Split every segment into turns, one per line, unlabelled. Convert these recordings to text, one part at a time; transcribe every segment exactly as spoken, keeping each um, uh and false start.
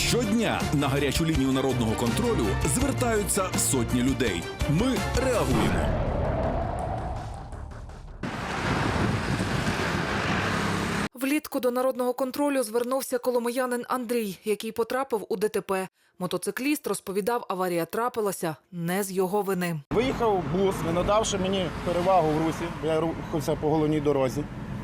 Щодня на гарячу лінію народного контролю звертаються сотні людей. Ми реагуємо.
Влітку до народного контролю звернувся коломиянин Андрій, який потрапив у ДТП. Мотоцикліст розповідав, аварія трапилася не з його вини.
Виїхав бус, не надавши мені перевагу в русі, бо я рухався по головній дорозі.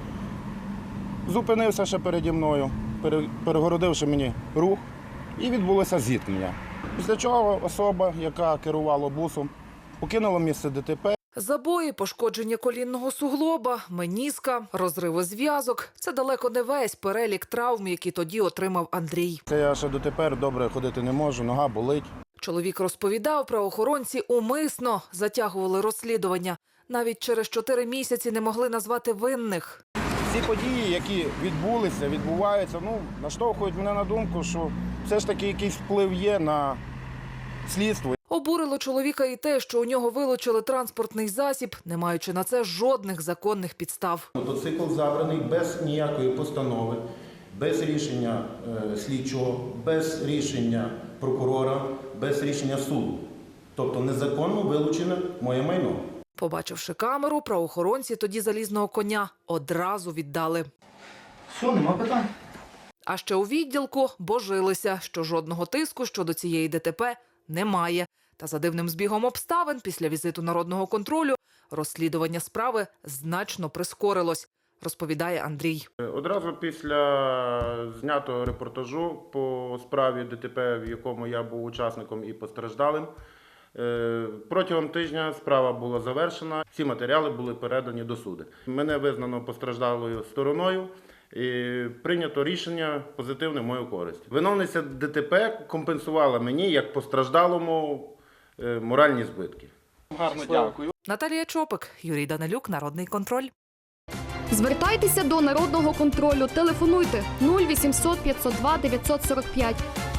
Зупинився ще переді мною, перегородивши мені рух, і відбулося зіткнення. Після чого особа, яка керувала бусом, покинула місце ДТП.
Забої, пошкодження колінного суглоба, меніска, розриви зв'язок – це далеко не весь перелік травм, які тоді отримав Андрій.
Це я ще дотепер добре ходити не можу, нога болить.
Чоловік розповідав, правоохоронці умисно затягували розслідування. Навіть через чотири місяці не могли назвати винних.
Ці події, які відбулися, відбуваються, ну, наштовхують мене на думку, що все ж таки якийсь вплив є на слідство.
Обурило чоловіка і те, що у нього вилучили транспортний засіб, не маючи на це жодних законних підстав.
Мотоцикл забраний без ніякої постанови, без рішення е, слідчого, без рішення прокурора, без рішення суду. Тобто незаконно вилучене моє майно.
Побачивши камеру, правоохоронці тоді залізного коня одразу віддали.
Все, нема питань.
А ще у відділку божилися, що жодного тиску щодо цієї ДТП немає. Та за дивним збігом обставин після візиту народного контролю розслідування справи значно прискорилось, розповідає Андрій.
Одразу після знятого репортажу по справі ДТП, в якому я був учасником і постраждалим, протягом тижня справа була завершена, всі матеріали були передані до суду. Мене визнано постраждалою стороною і прийнято рішення позитивне в мою користь. Виновниця ДТП компенсувала мені, як постраждалому, моральні збитки.
Гарно дякую.
Наталія Чопик, Юрій Данилюк, Народний контроль.
Звертайтеся до Народного контролю. Телефонуйте нуль вісімсот п'ятсот два дев'ятсот сорок п'ять.